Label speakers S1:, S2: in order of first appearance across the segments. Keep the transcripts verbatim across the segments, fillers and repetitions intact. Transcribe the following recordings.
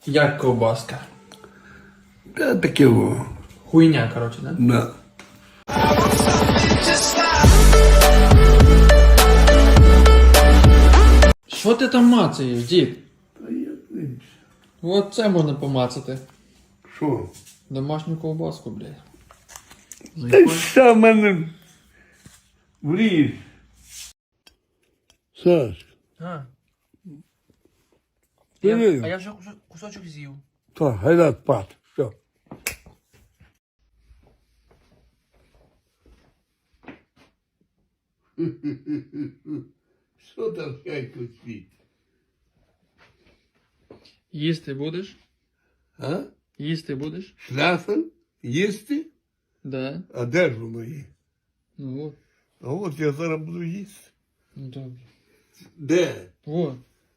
S1: Як ковбаска?
S2: Та таке во.
S1: Хуйня, коротше, да?
S2: Да.
S1: Що ти там мацаєш, дід?
S2: Та я не...
S1: От це можна помацати.
S2: Що?
S1: Домашню ковбаску, блядь.
S2: Та що в мене вріж? Саш,
S1: А.
S2: Ти
S1: Я,
S2: вірив?
S1: а я вже кусо- кусочок з'їв.
S2: так, гайда спати. Все. Що там хайко світ?
S1: Їсти будеш?
S2: А?
S1: Їсти будеш?
S2: Шляфен? Їсти?
S1: Да.
S2: А де ж воно є?
S1: Ну от.
S2: А от я зараз буду їсти.
S1: Ну добре.
S2: Де?
S1: О,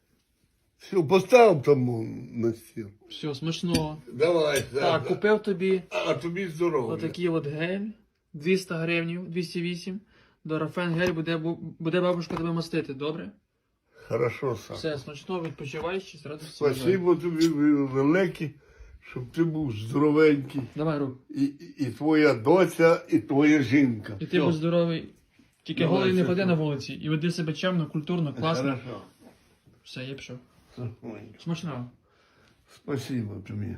S2: Все, постав тому на стіл.
S1: все, смачного.
S2: Давай,
S1: Так, купив тобі
S2: А тобі здоров'я.
S1: отакий от гель. двісті гривень, двісті вісім. Дорафен гель буде, бу- буде бабушка тебе мастити, добре?
S2: Хорошо, Саш.
S1: Все, смачного, відпочивай, ще радості.
S2: Спасибо тобі велике, щоб ти був здоровенький.
S1: Давай, рук.
S2: І, і, і твоя доця, і твоя жінка.
S1: І ти будь здоровий. Тільки
S2: Давай,
S1: голий не
S2: все,
S1: ходи
S2: все.
S1: на вулиці. І веди себе чемно, культурно, класно.
S2: Хорошо.
S1: Все, я пішов.
S2: Ой,
S1: Смачного.
S2: Спасибо тобі.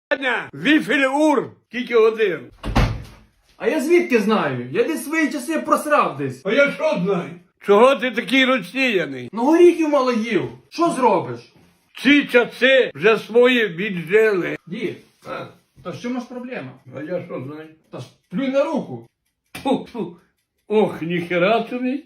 S2: Віфель ур! Скільки годин?
S1: А я звідки знаю? Я десь свої часи просрав десь.
S2: А я що знаю? Чого ти такий розсіяний?
S1: Ну горіхів мало їв. Що зробиш?
S2: Ці часи вже свої віджили.
S1: Дід,
S2: А,
S1: та що маш проблема?
S2: а я що знаю?
S1: Та ж плюй на руку.
S2: Фу-фу. Ох, ніхера тобі.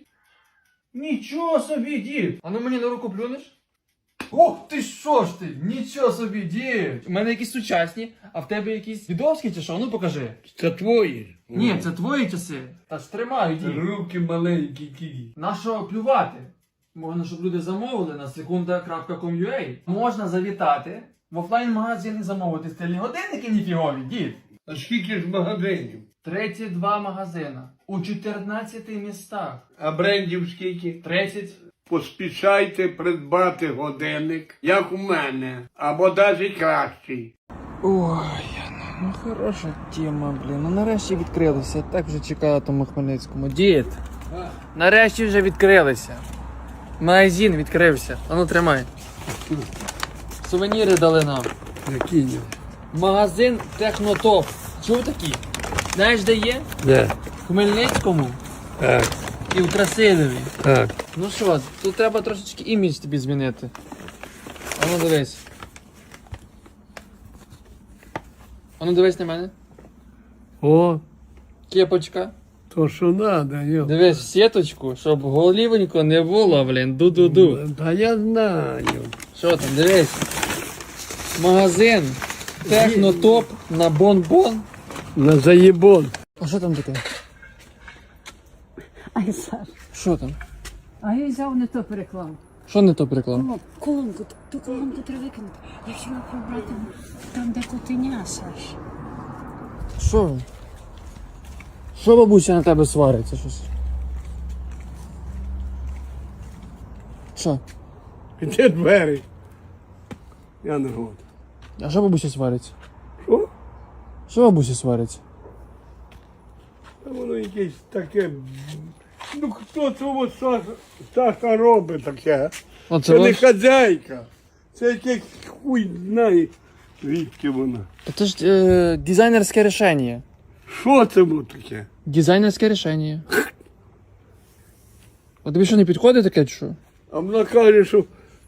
S1: Нічого собі, дід. А ну мені на руку плюнеш? Ох ти що ж ти? Нічого собі, дід. У мене якісь сучасні, а в тебе якісь дідовські чи що? Ну покажи.
S2: Це твої.
S1: Ні, це твої часи. Та ж тримаю, дід.
S2: Руки маленькі кії.
S1: На що плювати? Можна, щоб люди замовили на секунда крапка ком ю а. Можна завітати в офлайн-магазин і замовити стильні годинники ніфігові, дід.
S2: А скільки ж магазинів?
S1: тридцять два магазина у чотирнадцяти містах.
S2: А брендів скільки?
S1: тридцять.
S2: Поспішайте придбати годинник, як у мене, або навіть кращий.
S1: Ой, ну хороша тема, блін. Ну нарешті відкрилися. Я так вже чекала тому Хмельницькому. Дід, нарешті вже відкрилися. Магазин відкрився. А ну тримай. Сувеніри дали нам.
S2: Які?
S1: Магазин Технотоп. Чув такі? Знаєш, де є?
S2: Де?
S1: В Хмельницькому
S2: Так,
S1: і в Красилові.
S2: так.
S1: Ну що, тут треба трошечки імідж тобі змінити. А ну дивись. А ну дивись на мене.
S2: О,
S1: Кепочка.
S2: то що надо, йо.
S1: Дивись в сіточку, щоб голівенько не було, блін, ду-ду-ду.
S2: Та я знаю.
S1: Що там, дивись. Магазин Технотоп на бон-бон.
S2: На заєбон.
S1: А що там таке?
S3: Ай, Саш,
S1: Що там?
S3: а я взяв не то переклав.
S1: Що не то приклав?
S3: О, колонку, ту колонку треба викинути. Я хотіла прибрати там, де котеня, Саш.
S1: Що? ви? Що бабуся на тебе свариться щось? Що?
S2: Де двері? Я не год.
S1: А що бабуся свариться?
S2: Що?
S1: Що бабуся свариться?
S2: Та воно якесь таке. Ну хто цього Саша, Саша робить таке?
S1: Оце
S2: Це не
S1: ось-
S2: хазяйка. Це якесь хуй знає, звідки вона.
S1: Це ж е, дизайнерське рішення.
S2: Що це було таке?
S1: Дизайнерське рішення. А тобі що не підходить таке, чи що?
S2: А вона каже, що.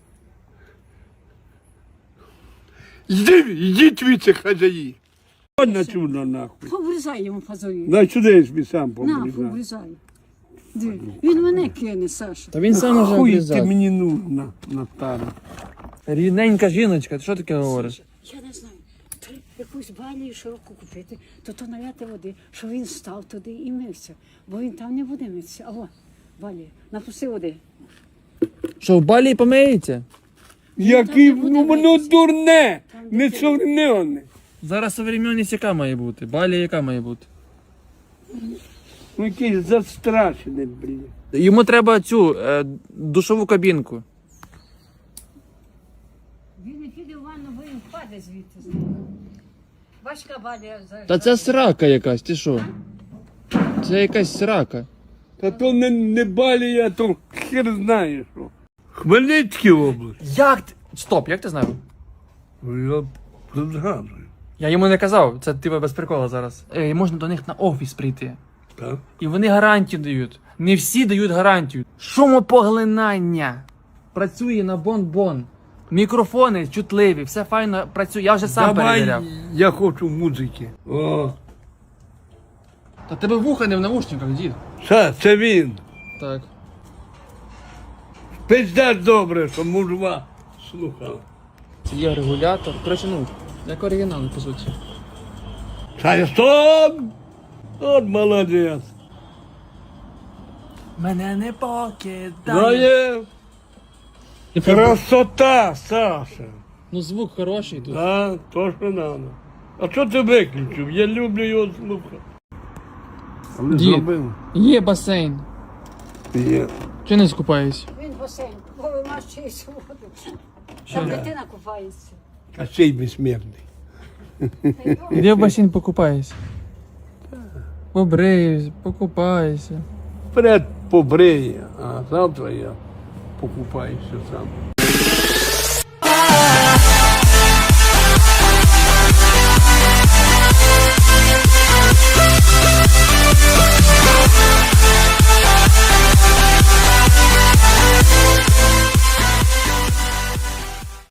S2: Йди, йдіть від цих хазяї. Ходь сюди нахуй.
S3: Поврізай йому фазою.
S2: На сюди я собі сам
S3: На,
S2: побрізаю.
S3: поврізай. Диви, він мене кине, Саша.
S1: Та він сам уже
S2: Хуй ти
S1: обрізав.
S2: мені нужна, Наталя.
S1: Рідненька жіночка, ти що таке говориш?
S3: Я не знаю. Треба якусь баню широку купити, то то наляти води, що він став туди і мився. Бо він там не буде митися. Алло, Валі, напусти води.
S1: Що, в балі помиється?
S2: Який
S3: там не буде
S2: ну, воно
S3: митися.
S2: дурне,
S3: Там
S2: не
S3: дитина.
S2: современне.
S1: Зараз современність яка має бути? Балі яка має бути?
S2: Ну якийсь застрашений, блін.
S1: Йому треба цю е, душову кабінку.
S3: Він не піде в ванну бо він впаде звідти. Бачка Валя за...
S1: Та це срака якась, ти що? Це якась срака.
S2: Та то не, не балія, то хер знає що. Хмельницька область.
S1: Як ти? Стоп, як ти знав?
S2: Я згадую.
S1: Я йому не казав, це ти без прикола зараз. Е, можна до них на офіс прийти.
S2: Так?
S1: І вони гарантію дають. Не всі дають гарантію. Шумопоглинання. Працює на бон-бон. Мікрофони чутливі, все файно працює. Я вже сам
S2: Давай,
S1: перевіряв.
S2: я хочу музики. О,
S1: Та тебе вуха не в навушниках, дід.
S2: це, це він.
S1: Так.
S2: Пиздець добре, що мужва слухав.
S1: Це є регулятор. Коротше, ну, як оригінал, по суті.
S2: Шайсон! От молодець.
S1: Мене не покидає.
S2: Дає. Красота, Саша.
S1: Ну звук хороший тут.
S2: Да, то, що надо. А що ти виключив? Я люблю його слухати. Але
S1: Дід.
S2: зробив.
S1: Є басейн.
S2: Є.
S1: Чи не скупаюсь?
S3: Він басейн, бо ви маєте воду.
S1: Що?
S3: Там дитина купається.
S2: А цей безсмертний.
S1: Іди в басейн покупайся. Побриюсь, покупайся.
S2: Вперед побриє, а завтра я покупаюся сам.